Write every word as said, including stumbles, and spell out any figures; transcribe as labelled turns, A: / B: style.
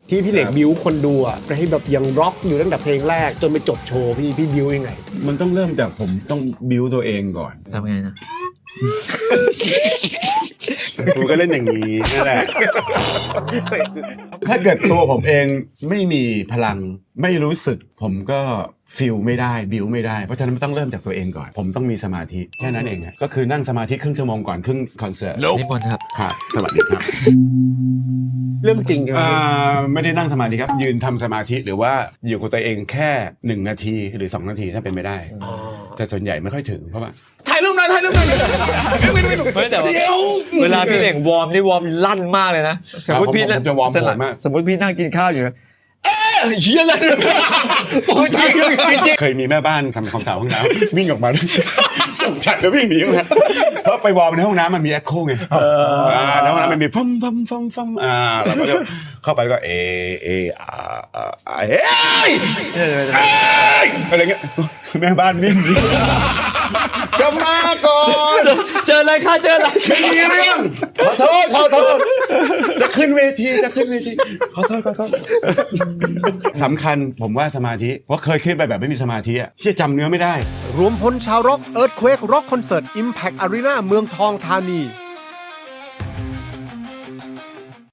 A: ที่พี่เหล็กบิวคนดูอ่ะให้แบบยังร็อกอยู่ตั้งแต่เพลงแรกจนไปจบโชว์พี่พี่บิวยังไง
B: มันต้องเริ่มจากผมต้องบิวตัวเองก่อน
C: ทำไงนะ
A: ผมก็เล่นอย่างนี้นั่นแหละ
B: ถ้าเกิดตัวผมเองไม่มีพลังไม่รู้สึกผมก็ฟิลไม่ได้บิวไม่ได้เพราะฉะนั้นต้องเริ่มจากตัวเองก่อนผมต้องมีสมาธิแค่นั้นเองก็คือนั่งสมาธิครึ่งชั่วโมงก่อนครึ่งคอนเสิร์ต
C: นิมนต์ครับ
B: ครับสวัสดีครับ
A: เรื่องจริงครับ
B: ไม่ได้นั่งสมาธิครับยืนทำสมาธิหรือว่าอยู่กับตัวเองแค่หนึ่งนาทีหรือสองนาทีถ้าเป็นไม่ได้แต่ส่วนใหญ่ไม่ค่อยถึงเพราะว่าถ่ายรูปหน่อยถ่ายรูปหน่อย
C: ไม่แต่ว่าเวลาพี่เหล่งวอร์มนี่วอร์มลั่นมากเลยนะสมมติพี่
B: จะวอร์มมาก
C: สมมติพี่นั่งกินข้าวอยู่เฮียอะไรจริงจริง
B: เคยมีแม่บ้านทำความสะอาดห้องน้ำวิ่งออกมาสงสารแล้ววิ่งหนีมาเพราะไปวอร์มในห้องน้ำมันมีแอคโคไงในห้องน้ำมันมีฟัมฟัมฟัมฟัมอ่าเราก็จะเข้าไปก็เอเออาเฮ้ยอะไรเงี้ยแม่บ้านวิ่งหนีจะมาก่อน
C: เจออะไรค่ะเจออะไร
B: ไม่มีเรื่องขอโทษขอโทษจะขึ้นเวทีจะขึ้นเวทีขอโทษขอโทษสำคัญผมว่าสมาธิเพราะเคยขึ้นไปแบบไม่มีสมาธิอ่ะเชื่อจำเนื้อไม่ได้
A: รวมพลชาวร็อกเอิร์ธเควกร็อกคอนเสิร์ต Impact Arena เมืองทองธานี